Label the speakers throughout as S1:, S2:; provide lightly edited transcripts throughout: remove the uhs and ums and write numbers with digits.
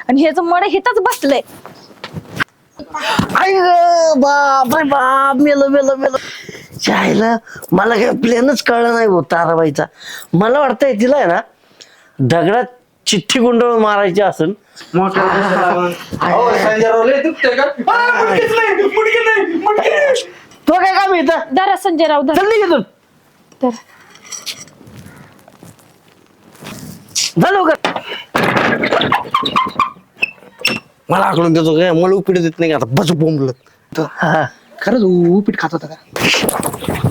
S1: आणि ह्याचं मड हिथंच बसलंय.
S2: आई ग बाप रे बाप, मेलं मेलं मेलं. चायला मला काय प्लेनच कळलं नाही भाऊ ताराबाईचा. मला वाटतंय तिला आहे ना दगडात चिठ्ठी गुंडळून मारायची असेल. तो काय काम येतं
S1: धरा संजयराव धरा.
S2: चल निघ
S1: तर
S2: झालो का मला आकडून देतो काय, मला उपीट देत नाही का आता बस बोंबलत.
S3: खरंच उपीट खात होता का?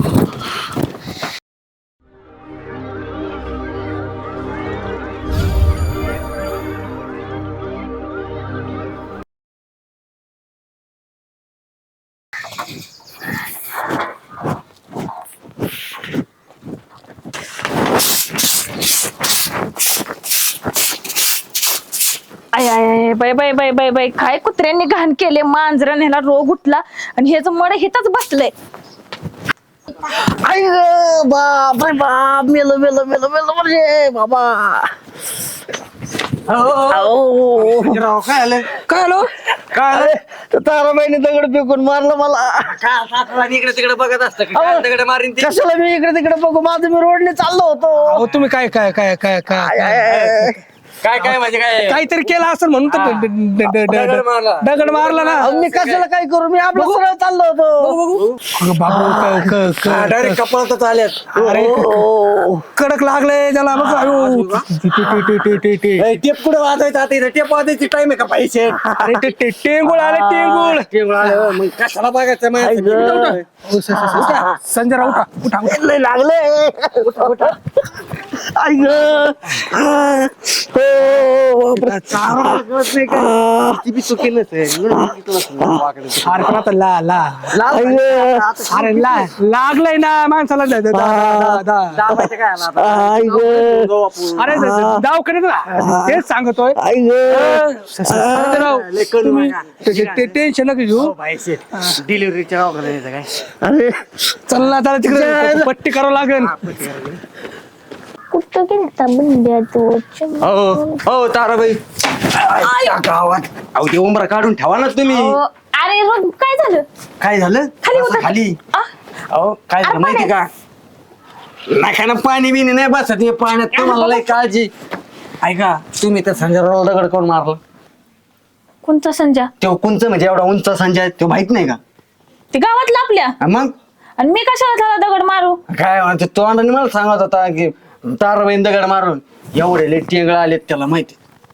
S1: आय आय आय bye bye bye bye bye, काय कुत्र्यांनी घाण केले. मांजराने ह्याला रोग उठला आणि ह्याचं मड हिथंच बसलंय.
S2: आई ग बाप रे बाप, मेलं मेलं मेलं मेलं म्हणजे बाबा.
S3: काय आलं काय आलो
S2: काय ताराबाईने दगड फेकून मारलं मला.
S4: इकडे तिकडे बघत असतं दगड मारीन ती.
S2: कशाला मी इकडे तिकडे बघू, माझं मी रोडने चाललो होतो.
S3: अहो तुम्ही काय काय काय काय काय
S4: काय काय म्हणजे काय
S3: काहीतरी केलं असेल म्हणून तर दगड मारला ना.
S2: अहो, मी कशाला काय करू, मी आपलं सरळ चाललो होतो.
S3: अगं बाबू
S4: डायरेक्ट कपाळातच आल्यात.
S3: अरे कडक लागलंय त्याला बघ. अयो.
S4: टेप कुठे वाजायचं आता इथे टेप वाजायची टाइम आहे का पैसे
S3: अरे ते टेंगुळ आले टेंगुळ.
S4: मग कशाला बघायचं माहिती
S3: संजय राव उठा उठा उठा.
S2: लय लागले. आई ग
S4: चुकी
S3: अरे पण आता ला ला अरे ला लागलंय ना माणसाला. अरे दवाखान्यात तेच सांगतोय. टेन्शन नका घेऊ.
S4: डिलिव्हरीच्या काय
S2: अरे
S3: चल ना त्याला तिकडे पट्टी करावं लागेल.
S5: कुठं गेलता बंड्या तू?
S4: हो ताराबाई गावात अहो ते उंबरा काढून ठेवा ना तुम्ही.
S1: अरे रोग काय झालं?
S4: काय झालं
S1: खाली उतर.
S4: खाली अहो काय झालं माहिती का, नाकाना पाणी बिणी नाही बसत हे पाण्यात. तुम्हाला लय काळजी. ऐका तुम्ही तर संजयराव दगड करून मारला.
S1: कोणता संजय?
S4: तो कुंच म्हणजे एवढा उंच संजय तो माहित नाही का?
S1: ते गावातला आपल्या.
S4: मग
S1: आणि मी कशाला त्याला दगड मारू?
S4: काय म्हणते तो आणि मला सांगत होता की ताराबाईन दगड मारून एवढे लय टेंगळ आलेत त्याला माहिती.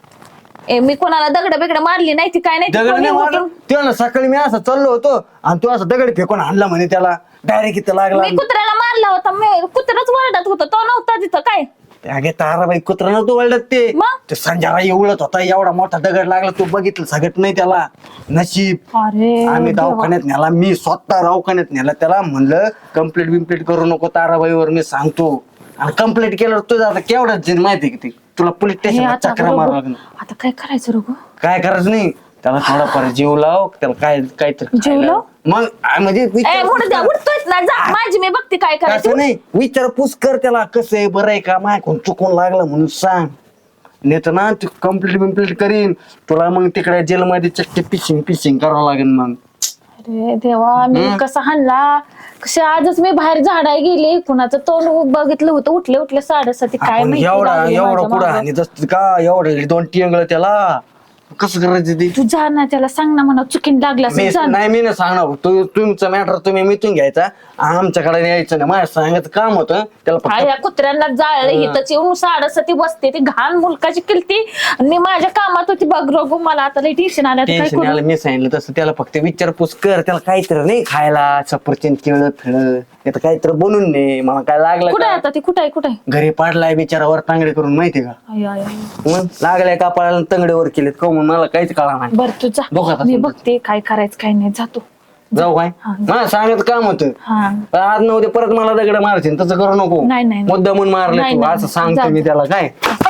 S1: मी कोणाला दगड बिगड मारली नाही ती काय नाही.
S4: दगड नाही मारलं तो ना. सकाळी मी असं चाललो होतो आणि तो असं दगड फेकून आणला म्हणे त्याला. डायरेक्ट इथं लागला.
S1: मी कुत्र्याला मारला होता. मी कुत्रच वरडत होता, तो नव्हता तिथं. काय
S4: अगे ताराबाई कुत्रा नव्हतं वळत ते.
S1: मग?
S4: ते संजयला एवढत होता, एवढा मोठा दगड लागला. तू बघितलं सगळं नाही त्याला. नशीब
S1: अरे
S4: आम्ही दवाखान्यात नेला. मी स्वतः दवाखान्यात नेला त्याला. म्हणलं कंप्लेंट बिम्प्लेट करू नको ताराबाईवर, मी सांगतो. आणि कंप्लेंट केल्यावर तुझं आता केवढ्याच जण माहिती की तुला पोलीस
S1: हे
S4: स्टेशनला
S1: आता
S4: चक्रा मारावं
S1: बरोबर.
S4: लागणार.
S1: आता काय करायचं रोग?
S4: काय करायचं नाही त्याला, थोडाफार जीव लाव त्याला. काय काहीतरी
S1: जीव लाव?
S4: मग म्हणजे
S1: उडतोयच ना. जा माझी मी बघते काय
S4: असं
S1: करायचं.
S4: नाही, विचारपूस कर त्याला. कसं आहे, बरं आहे का, माझ्याकडून चुकून लागलं म्हणून सांग. नाही तर ना तू कंप्लीट बिम्प्लीट करीन तुला. मग तिकडे जेलमध्ये चक्की पिशिंग करावं लागेल मग.
S1: अरे देवा, मी कसा हाणला. कसे आजच मी बाहेर झाडाय गेली, कुणाचं तोंड बघितलं होतं. उठले 7:30. काय
S4: आपण
S1: माहिती
S4: एवढा
S1: लागली
S4: एवढा
S1: माझ्या
S4: कुठं
S1: मागं.
S4: आणि जसं का एवढं 2 टिंगळ त्याला कसं करायचं ते.
S1: तू जा ना, त्याला सांग ना म्हणा चुकीन लागला असेल, जा ना.
S4: नाही मी नाही सांगणार. तुमचं मॅटर तुम्ही मिटून घ्यायचा. आमच्याकडे यायचं नाही. माझ्या सांगायचं काम होतं त्याला
S1: हा,
S4: फक्त.
S1: या कुत्र्यांना जाळलं इथंच येऊन 7:30 बसते. ती घाण मुलकाची केलती आणि मी माझ्या कामात होती. बघ रोग, मला आता लई टेन्शन आलं. काय
S4: टेन्शन
S1: करू?
S4: आलं. मी सांगितलं तसं त्याला फक्त विचारपूस कर. त्याला काहीतरी नाही खायला, सफरचंद केळं फिळ काहीतरी बनवून दे. मला काय लागलं
S1: कुठे
S4: का?
S1: आता ती? कुठे आहे?
S4: घरी पाडलाय बिचारावर तांगडे करून माहितीये का.
S1: आय, आय, आय.
S4: मग लागलाय कापाळाला तांगडे वर केलेत का म्हणून मला काहीच कळा नाही.
S1: बर तू जा,
S4: बघ आता
S1: मी
S4: समजा.
S1: बघते काय करायचं काय नाही. जातो.
S4: जाऊ काय
S1: हा.
S4: मला सांगायचं काम होतं.
S1: हा
S4: पण आज न उद्या परत मला दगड मारशील तसं करू नको.
S1: नाही, नाही.
S4: मुद्दा म्हणून मारले
S1: नाही,
S4: तू
S1: नाही.
S4: असं सांगतो
S1: जा.
S4: मी त्याला. काय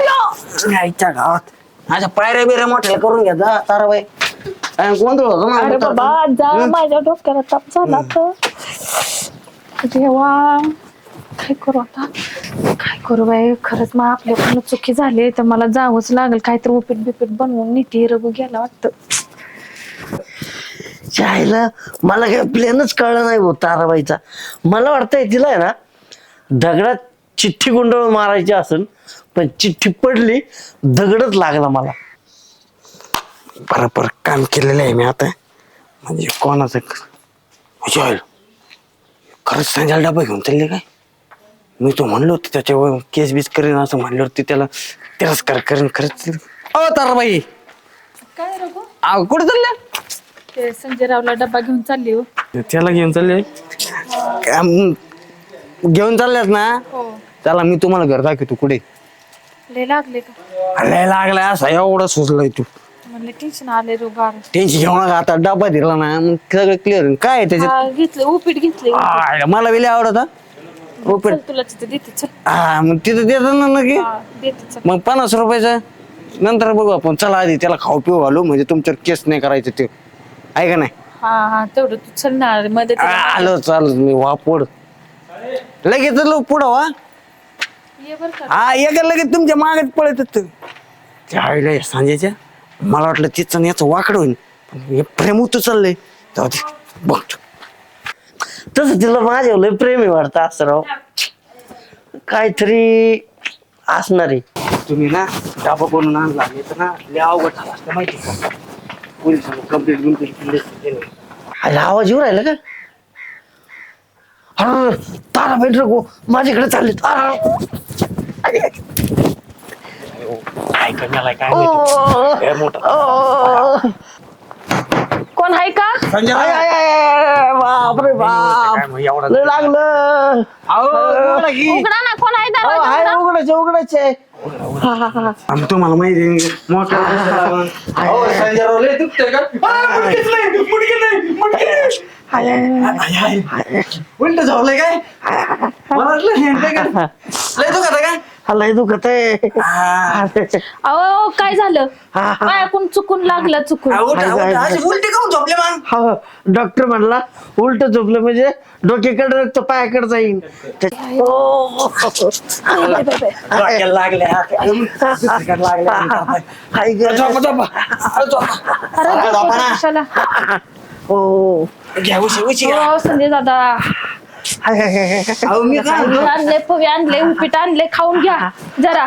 S4: आईच्या गावात माझ्या पायऱ्या बिऱ्या मोठ्या करून घ्या जा ताराबाई. गोंधळ होतो ना.
S1: अरे बाबा जा, माझ्या डोक्याला ताप झाला तर. देवा काय करू आता, काय करू बाई, खरंच मग आपल्याकडून चुकी झाली तर मला जावंच लागेल. काहीतरी उपीट बिपीट बनवून नीती रघु गेला वाटतं.
S2: चायला मला काय प्लॅनच कळलं नाही हो ताराबाईचा. मला वाटतंय तिला आहे ना दगडात चिठ्ठी गुंडळून मारायची असेल, पण चिठ्ठी पडली, दगडच लागला मला.
S4: बरोबर काम केलेलं आहे मी आता. म्हणजे कोणाचं विचार खरंच संजय डबा घेऊन चालले काय? मी तो म्हणलो होतो त्याच्यावर केस बीस करेन असं म्हणल्यावरती त्याला तिरस्कार करेन खरंच. अ ताराबाई
S1: काय रघु,
S4: कुठे चालल्या?
S1: ते संजय रावला डब्बा घेऊन चालली हो.
S4: त्याला घेऊन चालले घेऊन चालल्यात ना.
S1: हो.
S4: चला मी तुम्हाला घर दाखवतो कुठे.
S1: लय लागले का?
S4: लय लागलाय असा एवढा सुचलाय तू.
S1: म्हणलं टेन्शन आले रो गार.
S4: टेन्शन घेऊ नका आता. डबा दिला ना मग सगळं क्लिअर. काय आहे त्याच्यात?
S1: घेतलं उपीट घेतले.
S4: मला वेळी आवडत हा.
S1: चल तुला तिथे देते, चल.
S4: हा मग तिथं देतात ना नक्की.
S1: हा, देते चल.
S4: मग 50 रुपयाचं नंतर बघू आपण. चला आधी त्याला खाऊ पिऊ घालू म्हणजे तुमच्यावर केस नाही करायचं ते. आहे का नाही?
S1: हा हा, तेवढं तू चल ना मध्ये.
S4: आलो चालत मी वापड लगेच पुढं वा.
S1: ये बर का.
S4: हा एका लगेच तुमच्या मागत पळत त्यावेळेला सांजायच्या मला वाटलं तिचं याचं वाकड होईल, पण हे प्रेम होतं चाललंय. जाऊ दे बघ.
S2: तसं तिला माझ्यावर लय प्रेम आहे वाटतं असं राव. काहीतरी असणार आहे.
S4: तुम्ही ना डाबा बनवून आणला तर ना लय अवघड झाला असतं माहिती का? पोलिसांना कंप्लेंट
S2: अरे आवाज येऊ राहिला का? अरे तारा भेट रघु माझ्याकडे चालले.
S4: काय करण्याला काय माहिती. लय मोठा
S1: कोण आहे का?
S4: संजय
S2: बापरे बाप,
S4: काय मग एवढा
S2: लय लागलं.
S1: उघडा ना, कोण आहे दरवाजा
S2: हाय
S1: उघडा.
S2: उघडायचे उघडायचे.
S4: आम्ही तुम्हाला माहिती आहे, मोठ्या संजयराव लय दुखतंय का? उलट झोपलंय काय? मला वाटलं हेंडलंय का? लय दुखत काय?
S2: लय दुखत आहे.
S1: अहो काय झालं? पायाकून चुकून लागलं, चुकून.
S4: उलटी काऊन झोपले मग?
S2: डॉक्टर म्हणला उलट झोपलं म्हणजे डोक्याकडे रक्त पायाकडे जाईल.
S4: डोक्याला लागले
S2: हाय ग.
S1: अरे कशाला?
S2: हो
S4: घ्या उशी
S1: हो, संजय दादा.
S4: मी
S1: आणले पोहे आणले, उपीट आणले, खाऊन घ्या जरा.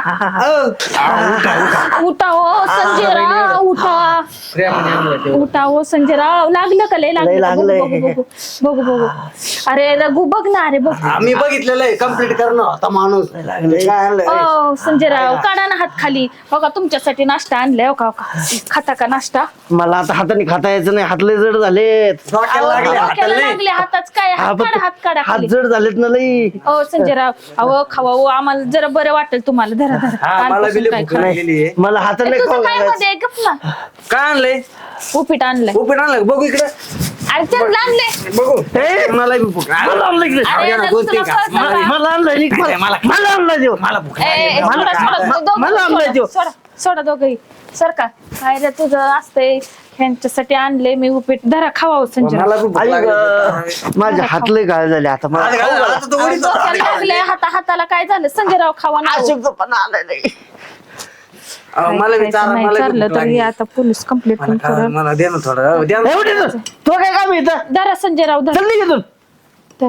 S1: उठा हो संजयराव, उठा. उठा हो संजयराव. लागलं का? लय
S2: लय लागलंय.
S1: बघू बघू बघू. अरे रघु बघ ना, अरे बघ.
S4: आम्ही बघितलेलं आहे. कम्प्लीट करणं होता माणूस. काय आणलंय?
S1: ओ संजयराव काढा ना हात खाली. हो का तुमच्यासाठी नाश्ता आणलाय. हो का खाता का नाश्ता?
S2: मला आता हाताने खाता यायचं नाही. हात लय जड झालेत.
S4: डोक्याला लागले,
S1: डोक्याला
S4: हाताला नाही.
S1: लागले हाताच काय? हात काढा, हात काढा
S2: हात
S1: खाली.
S2: जड झालेत ना लई.
S1: हो संजयराव, अहो खावा हो, आम्हाला जरा बरं वाटेल तुम्हाला. धरा धरा.
S4: हा, मला
S1: कालपासून
S4: बी लय
S1: काय
S4: भूक
S1: खाल्लं?
S4: लागलेली आहे.
S2: मला हाताने
S1: तुझं
S2: खाऊ
S1: काय
S2: घालायचं.
S1: मध्ये गप ना.
S4: काय आणलंय?
S1: उपीट आणलंय.
S4: उपीट आणलं बघू इकडे.
S1: अरे त्यांना आणले.
S4: बघू.
S2: ए,
S4: मला बी भूक
S2: मला आणलं इकडे.
S1: अरे
S4: ना,
S1: रघु,
S4: बोलते
S1: तुला
S4: का?
S1: कळतं का?
S2: मला आणलं इकडे. मला आणलं देऊ.
S4: मला भूक
S1: ए, ए, सोडा, सोडा, दोघं
S2: मला आणलंय
S1: सोडा,
S2: देऊ.
S1: सोडा, सोडा दोघंही. सर का काय रे तुझं असतंय? ह्यांच्यासाठी आणले मी उपीट. धरा खावा हो संजय.
S4: मला बी भूक
S2: आई
S4: लागली.
S2: ग, माझे हात लय गाळ झाले आता. मला
S4: आता काय झालं? आता तो वडीच होता.
S1: डोक्याला लागले, हाताला काय झालं? संजयराव खावा ना.
S2: अशक्तपणा आलाय नाही.
S4: मला बी चारा, मला बी
S1: चाललं
S4: भूक
S1: तर
S4: लागली.
S1: हे आता पोलीस कंप्लेंट पण करत.
S4: मला दे ना थोडं. द्या ना.
S2: एवढे तर. तो काय काम येतं?
S1: धरा संजयराव, धरा.
S2: चल निघ इथून.
S1: धरा.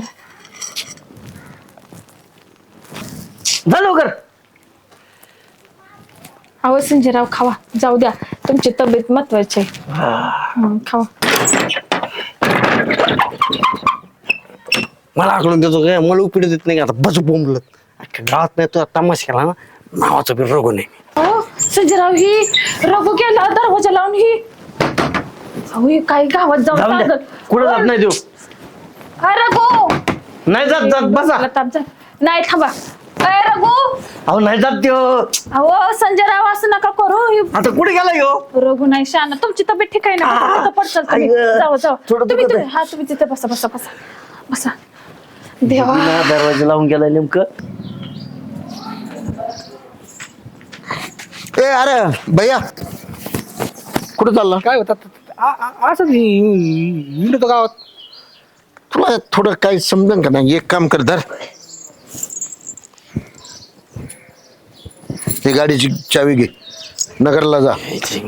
S2: जा लवकर.
S1: अहो संजयराव खावा, जाऊ द्या. तुमची तब्येत महत्वाची आहे. खावा.
S4: मला आकडून देतो काय? मला उपीट देत नाही का? आता बस बोंबलत. अख्ख्या गावात नाही तो तमाशा केला ना. नावाचा बी रोग नाही.
S1: हो संजयराव, ही रघु गेला दरवाजा लावून. ही अहो ही काय गावात जाऊन
S2: जाऊन द्या.
S1: सांगत.
S2: कुठं जात नाही देऊ.
S1: काय रघु?
S2: नाही जात जात बसा.
S1: मला ताप झाला. नाही थांबा. काय रघु?
S2: अहो नाही जात त्यो.
S1: अहो संजयराव असं नका करू. ही
S2: आता कुठे गेला ह्यो?
S1: रघु नाही शान. तुमची तब्येत ठीक आहे ना? तिथं पडचाल तुम्ही.
S2: आई ग.
S1: जाऊ जाऊ.
S2: थोडं
S1: तुम्ही
S2: दुखत
S1: तुम्ही हा तुम्ही तिथे बसा बसा बसा बसा. देवा.
S2: बिना दरवाजा लावून गेलाय नेमकं.
S6: ए अरे भैया कुठं चालला?
S3: काय होतात असंच हिंडतो गावात.
S6: तुला थोडं काही समजन का नाही? एक काम कर धर ही गाडीची चावी घे, नगरला जा.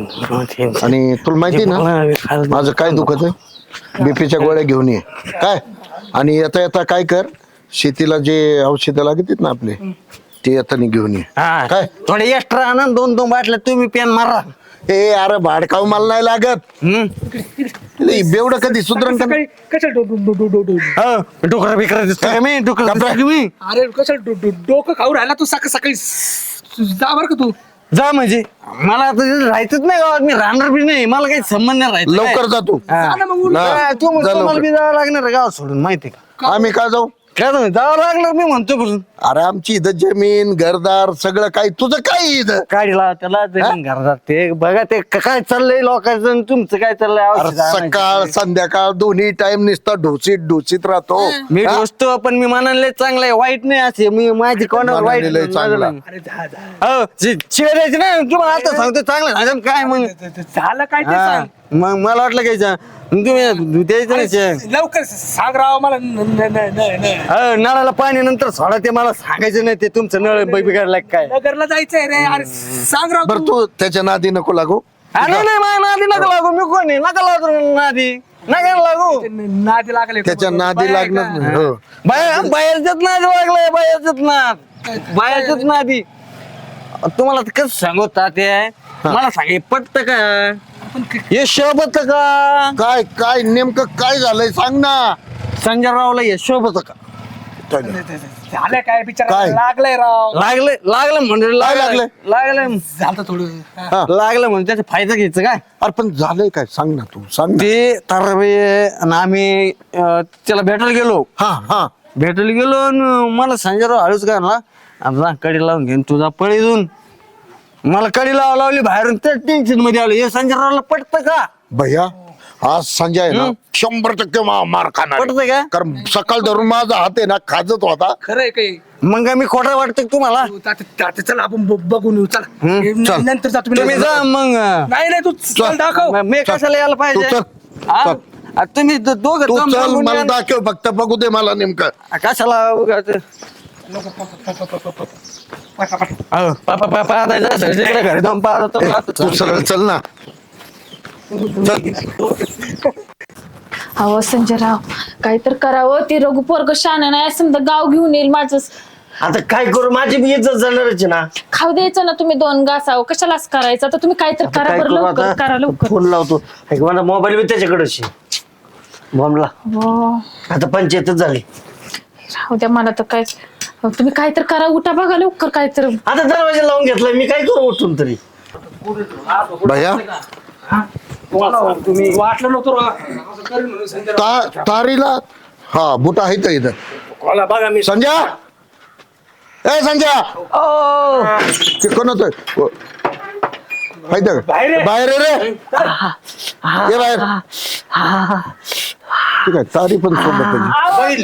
S6: आणि तुला माहिती ना माझं काय दुखत आहे, बीपीच्या गोळ्या घेऊन ये काय. आणि येता येता काय कर, शेतीला जे औषधं लागतात ना आपले ते येताना घेऊन ये काय.
S4: थोडे एक्स्ट्रा आणा, 2-2 बाटल्या तुम्ही पेन मारा.
S6: ए अरे भाडकाव मला नाही लागत. बेवडं कधी सुधरण का?
S3: सकाळी कशाला
S4: डोकरा बिकरा दिसतो का मी? डोकरा दिसतो का मी?
S3: अरे कशाला डोकं खाऊ राहिला तू सकाळी जा बर का तू.
S4: जा म्हणजे मला आता तिथे राहायचंच नाही गावात, मी राहणार बी नाही, मला काही संबंध नाही राहायचं.
S6: लवकर जा तू.
S4: तुम्हाला बी जावं लागणार आहे गावात सोडून, माहिती का?
S6: आम्ही का जाऊ?
S4: काय तुम्ही जावं लागणार मी म्हणतो बसून.
S6: अरे आमची इथं जमीन घरदार सगळं काही, तुझं काय इथं?
S4: गाडीला त्याला जमीन घरात ते बघा ते काय चाललंय लोकांचं आणि तुमचं काय चाललंय.
S6: अरे
S4: औषधं आणायची.
S6: सकाळ संध्याकाळ दोन्ही टाइम नुसता ढोसीत राहतो.
S4: मी दोस्तो पण मी मनाला चांगलं आहे, वाईट नाही असे मी माझी कोणावर वाईट
S6: मनाने लय चांगला.
S3: अरे जा
S4: हो शिवाय द्यायची नाही तुम्हाला आता सांगतो चांगलं सांगतो काय मग.
S3: झालं काय ते
S4: हा,
S3: सांग.
S4: मग मला वाटलं घ्यायचं तुम्ही द्यायचं नाही.
S3: लवकर सांग राव मला.
S4: हो, नळाला पाणी नंतर सोडा ते मला सांगायचं नाही, ते तुमचं नळ बिघडलाय काय.
S3: नगरला जायचंय रे. अरे सांग राव
S6: बरं तू त्याच्या नादी नको लागू.
S4: नाही माझ्या नादी नका लागू, मी कोणी नका लागू नादी, नका लागू.
S3: नादी लागले
S6: त्याच्या नादी लागणार नाही. हो.
S4: बाहेरच्याच नादी लागलाय, बाहेरच्याच नादी. तुम्हाला कसं सांगू ताते, मला सांगे पटत का हे शोभत का?
S6: काय काय नेमकं काय झालंय सांग ना.
S4: संजय रावला हे शोभत का?
S3: झालं काय बिचारा
S6: काय?
S3: लागलंय राव.
S4: लागलं म्हणजे
S6: काय लागलंय?
S4: लागलं
S3: झालं थोडं.
S6: हा.
S4: लागलं म्हणजे त्याचा फायदा घ्यायचा काय.
S6: अरे पण झालंय काय सांग ना, तू सांग ना.
S4: ते ताराबाई आणि आम्ही त्याला भेटायला गेलो.
S6: हा
S4: भेटायला गेलो आणि मला संजय राव हळूच काय ना, आता कडी लावून घेऊन तुझा पळी देऊन मला कडी लावली बाहेरून, त्या टेन्शन मध्ये आलो. हे संजय रावला पटतं का?
S6: भैया आज संजय आहे ना 100% मार खाणार
S4: पटतं का?
S6: कारण सकाळ धरून माझा हात आहे ना खाजत होता.
S3: खरंय काही.
S4: मग मी खोटं वाटतं का तुम्हाला?
S3: चला आपण बघून येऊ. चला
S6: चल.
S3: नंतर जातो
S4: तुम्ही जा मग.
S3: नाही तू चल दाखव.
S4: मग मी कशाला यायला
S6: तू
S4: पाहिजे?
S6: चल,
S4: हा?
S6: चल.
S4: आ, तुम्ही दोघं
S6: तू
S4: जाऊन
S6: चल
S4: बघून
S6: मला
S4: या.
S6: दाखव फक्त, बघू दे मला नेमकं.
S4: कशाला उगाच? पाहता जायचं तिकडे घरी जाऊन पाहतो.
S6: तू सरळ चल ना.
S1: अहो संजयराव काय तर करावं, ते रघु पोरग शान नाही समजा गाव घेऊन येईल माझं.
S2: आता काय करू, माझी बी इज्जत जाणारच आहे ना.
S1: खाऊ द्यायचं ना तुम्ही 2 घासावं, कशालाच करायचं. आता तुम्ही काय तर करा
S2: काय
S1: बरं,
S2: करू
S1: लवकर
S2: आता?
S1: करा लवकर.
S2: फोन लावतो. मला मोबाईल बी त्याच्याकडेच बॉम्बला.
S1: हो.
S2: आता पंचायतच झाली.
S1: राहू द्या मला तर काय. तुम्ही काय तर करा, उठा बघा लवकर काय तर.
S2: आता दरवाजा लावून घेतलाय मी, काय करू उठून तरी.
S6: भैया
S3: तुम्ही वाटलं नव्हतं
S6: तारीला हा बुट आहे का इथं?
S3: बघा मी
S6: संजय, ए संजय ते कोण होत बाहेर आहे रे. ये बाहेर. ठीक आहे, तारी पण सोबत आहे.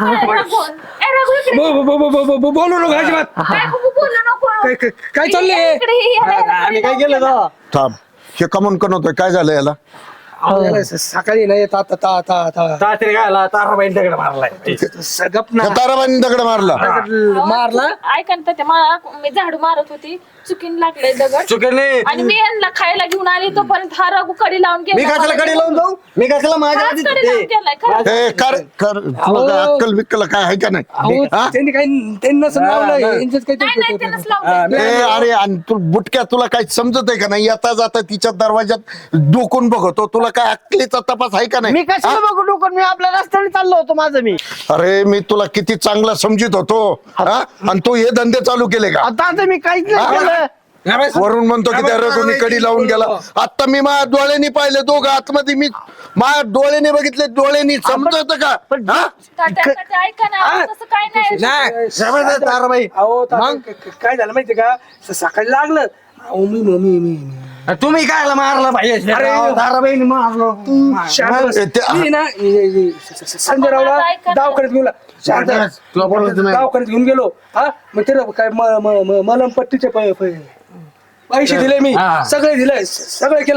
S3: बोलू नको अजिबात. काय चाललंय?
S4: आम्ही काय केलं तेव्हा?
S6: थांब, हे कमन कोण होतोय, काय झालं याला?
S3: सकाळी नाही
S4: तात्रे गायला ताराबाई दगड मारलाय.
S3: गप ना.
S6: त्या ताराबाईंनी दगड मारला.
S3: मारला.
S1: ऐका ना ते मला, मी झाडू मारत होती, चुकीन लागले दगड
S4: चुके नाही.
S1: आणि मी यांना खायला घेऊन आली, तोपर्यंत हा रघु कडी लावून
S4: मी कशाला कडे लावून जाऊ? मी कशाला माझ्या
S1: हाच
S4: आधी
S1: कडी लावून गेलाय खरंच.
S6: ए कर कर, तुला काय अक्कल बिक्कल काय आहे का नाही?
S3: अहो,
S6: हा?
S3: त्यांनी काही त्यांना लावलं यांच्यात
S1: नाही नाही
S3: काही
S1: त्यांनाच लावलंय.
S6: ए अरे आणि तू बुटक्या, तुला काय समजत आहे का नाही? येता जाता तिच्या दरवाजात डोकून बघतो, तुला काय अक्कलीचा तपास आहे का
S2: मी
S6: नाही?
S2: कशाला बघू डोकं, मी आपल्या रस्त्याने चाललो होतो माझं मी.
S6: अरे मी तुला किती चांगला समजित होतो, हा? आणि तू हे धंदे चालू केले का?
S2: आता आता मी काहीच नाही केलं.
S6: वरून म्हणतो की त्या रघुनी कडी लावून गेला. आता मी माझ्या डोळ्यानी पाहिले, दोघं आतमध्ये मी माझ्या डोळ्याने बघितले, डोळ्यानी समजत का? हा?
S1: तात्या, ऐका ना, तसं काय नाही.
S4: ताराबाई
S3: अहो काय झालं माहितीये का? सकाळी लागलं. अहो मी
S4: तुम्ही काय मारला पाहिजे?
S3: अरे,
S4: ताराबाईने मारलो.
S3: संजय रावला दवाखान्यात घेऊन
S4: तुला बोलायचं नाही.
S3: दवाखान्यात घेऊन गेलो. हा मग ते काय मलम पट्टीचे पैसे दिले मी.
S4: हा.
S3: सगळे दिले, सगळं केलं.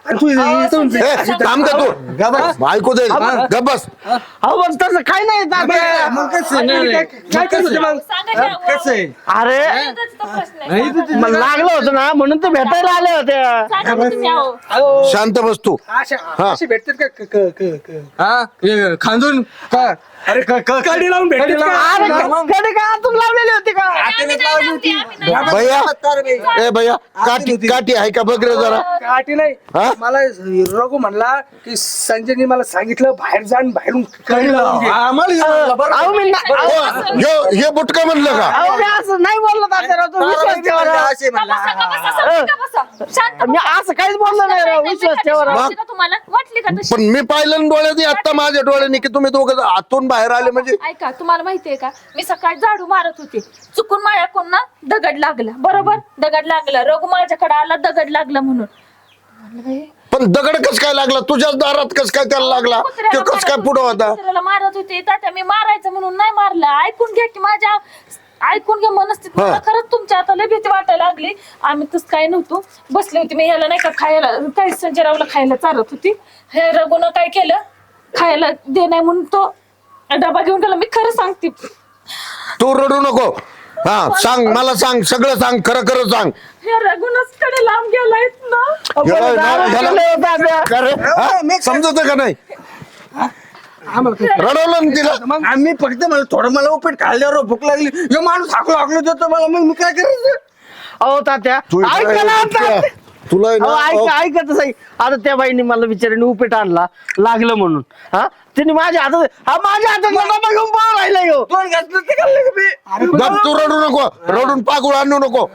S3: आणि तू इथून
S6: थांब का तू ऐकू दे गप बस.
S2: अहो पण तसं काय नाही तात्या.
S3: मग काय करत होते मग?
S4: कसं आहे
S2: अरे
S1: प्रश्न
S2: मला लागलं होतं ना म्हणून ते भेटायला आल्या होत्या.
S3: अहो,
S6: शांत बस तू.
S3: अशी भेटतात का
S4: हा हे खांदून
S3: का अरे कडी लावून भेटतात
S2: अरे
S3: का?
S2: कडे का आतून लावलेली होती का?
S6: भैया ए भैया काठी आहे का बघ रे जरा.
S3: काठी नाही
S6: हा?
S3: मला रघु म्हणला की संजयनी मला सांगितलं बाहेर जाण बाहेरून कडी लावून घे.
S2: अहो मी ना- अहो,
S6: हे बुटका म्हणलं का
S2: अहो, मी असं नाही बोललो तात्याराव, तू विश्वास ठेवा राव. मी असं काहीच बोललो नाही राव, विश्वास ठेवा राव.
S1: तुम्हाला वाटली का तशी?
S6: पण मी पाहिलं डोळ्यात आता माझ्या डोळ्याने की तुम्ही दोघं आतून बाहेर आले म्हणजे
S1: ऐका तुम्हाला माहितीये का मी सकाळी झाडू मारत होते चुकून माझ्याकडून ना दगड लागला बरोबर दगड लागला रघु माझ्याकडे आला दगड लागला म्हणून म्हणलं बाई,
S6: पण दगड कस काय लागला तुझ्याच दारात कस काय त्याला लागला ते कस काय पुढं होता.
S1: कुत्र्याला मारत होते तात्या मी मारायचं म्हणून नाही मारलं ऐकून घ्या की माझ्या ऐकून घ्या मनस्थिती मला खरंच तुमच्या आता लय भीती वाटायला लागली आम्ही तस काय नव्हतो बसले होते मी ह्याला नाही का खायला काही संजयरावला खायला चालत होती हे रघुनं काय केलं खायला दे नाही म्हणून तो डबा घेऊन गेला मी खरं सांगते
S6: तू रडू नको. हा सांग मला सांग सगळं सांग खरं खरं सांग.
S1: हे रघुनच कडे लांब गेलायत ना
S6: समजत का नाही रडवलं ना तिला.
S3: मग
S4: आम्ही फक्त मला थोडं मला उपीट खाल्ल्यावर भूक लागली हे माणूस हाकलो देतो मला मग मी काय करायचं.
S2: अहो तात्या
S6: तू
S2: ऐका ना आता.
S6: तुला आहे
S2: अहो,
S6: ना
S2: ऐकतच आहे आता त्या बाईने मला बिचारीने उपीट आणला लागलं म्हणून हा तिने माझ्या हातात डबा घेऊन पळून राहिला ह्यो.
S4: दोन घातलं ते खाल्लं का मी
S6: गप तू रडू नको रडून पागुळ आणू नको.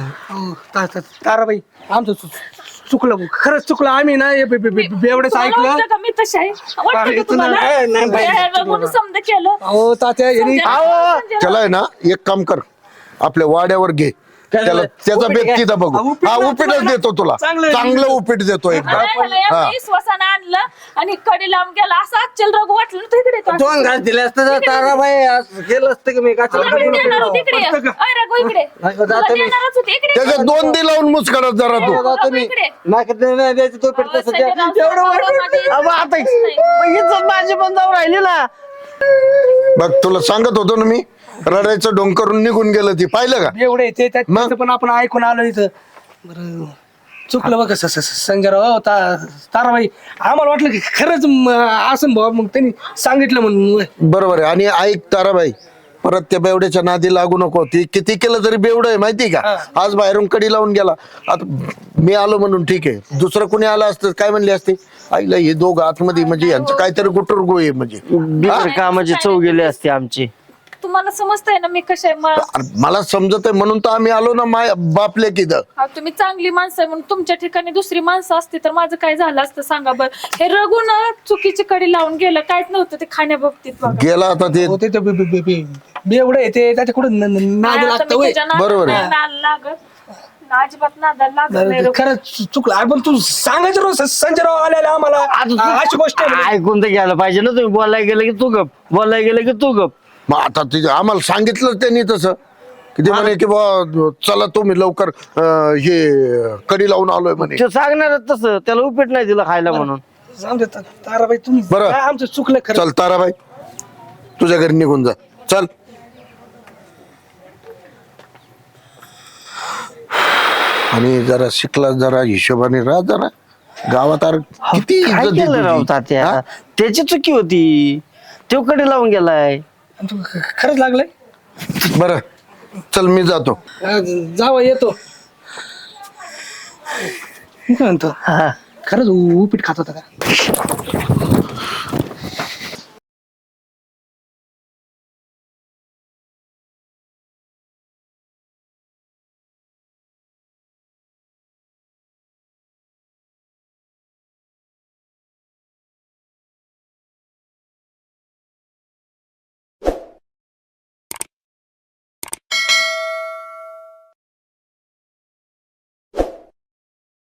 S3: ताराबाई आमचं चुकलं खरंच चुकलं आम्ही ना एवढंच
S1: तुम्हाला
S3: ऐकलं.
S1: वाटतं का मी तशी आहे वाटतं का तुम्हाला हे रघुनं समजा केलं
S3: अहो तात्या यांनी
S2: अहो,
S6: त्याला आहे ना एक काम कर आपल्या वाड्यावर घे त्याला त्याचा
S4: उपीट
S6: बेत
S4: घे.
S6: तिथं बघू
S3: उपीट
S6: हा
S3: ना
S6: उपीटच
S3: तुम्हाला.
S6: देतो तुला
S3: चांगलं आहे.
S6: चांगलं उपीट देतो एकदा. हा.
S1: विश्वासानं आणलं आणि कडे लांब गेला असं आजचल रघु वाटलं ना तू इकडे येतो.
S4: दोन घास दिले असतं तर ताराबाई असं केलं असतं की मी
S1: तुला मी देणार होते इकडे ये. अय रघु इकडे
S4: जातो
S1: तुला
S4: मी.
S1: देणारच होते इकडे ये.
S6: त्याच्या दोन दी लावून मुसकडत जरा तू
S1: रघु इकडे
S4: नाही द्यायचं तो पीठ तसं द्या. एवढं वाईट.
S2: अहो, आता इज्जत माझी पण जाऊन राहिली ना.
S6: बघ तुला सांगत होतो ना मी रडायचं डोंग करून निघून गेलं ती पाहिलं का
S3: एवढे ते
S6: मग?
S3: त्याचं पण आपण ऐकून आलो इथं बरं चुकलं बघ संजयराव ताराबाई आम्हाला वाटलं की खरंच असं भाऊ मग त्यांनी सांगितलं म्हणून
S6: बरोबर आहे. आणि ऐक ताराबाई परत त्या बेवड्याच्या नादी लागू नको ती किती केलं तरी बेवड आहे माहिती का आज बाहेरून कडी लावून गेला आता मी आलो म्हणून ठीक आहे दुसरं कोणी आलं असतं काय म्हणले असते आईला हे दोघं आतमध्ये म्हणजे यांचं काहीतरी गुटुरगो आहे म्हणजे
S2: बिगर कामाची चव गेली असते आमची.
S1: तुम्हाला समजतंय ना मी कशा आहे
S6: अरे मला समजत आहे म्हणून तर आम्ही आलो ना माय बापले किद
S1: तुम्ही चांगली माणसं आहे म्हणून तुमच्या ठिकाणी दुसरी माणसं असती तर माझं काय झालं असतं सांगा बरं हे रघु ना चुकीची कडी लावून गेलं काहीच नव्हतं ते खाण्याबाबतीत बघा.
S6: गेला आता ते
S3: हो, ते एवढं येते त्याच्या कुठं नाद
S1: आता
S3: लागतं
S1: मी
S3: होय.
S1: तुझ्या नादाला
S6: बरोबर आहे.
S1: नाही नाद लागत अजिबात नादाला लागत नाही रघु.
S3: खरंच चुकलं अरे पण तू सांगायचं रोज संजयराव आलेला आम्हाला अशी गोष्ट आहे म्हणजे.
S2: ऐकून तर घ्यायला पाहिजे ना तुम्ही बोलायला गेलं की तू गप बोलायला गेलं की तू गप.
S6: मग आता तिथे आम्हाला सांगितलं त्यांनी तसं की ते म्हणे की बा चला तुम्ही लवकर हे कडी लावून आलोय म्हणे.
S2: ते सांगणार तसं त्याला उपीट नाही दिलं खायला म्हणून.
S3: जाऊ दे ताराबाई तुम्ही
S6: बरं.
S3: काय आमचं चुकलं खरं
S6: चल ताराबाई तुझ्या घरी निघून जा चल. आणि जरा शिकला जरा हिशोबाने राहा जरा गावात किती
S2: काय
S6: इज्जत आहे
S2: केलं राव
S6: तुझी.
S2: तात्या
S6: हा?
S2: त्याची चुकी होती तो कडे लावून गेलाय.
S3: खरंच लागलंय
S6: बरं चल मी जातो.
S3: जावा येतो मी काय म्हणतो
S2: हा.
S3: खरंच उपीट खात होता का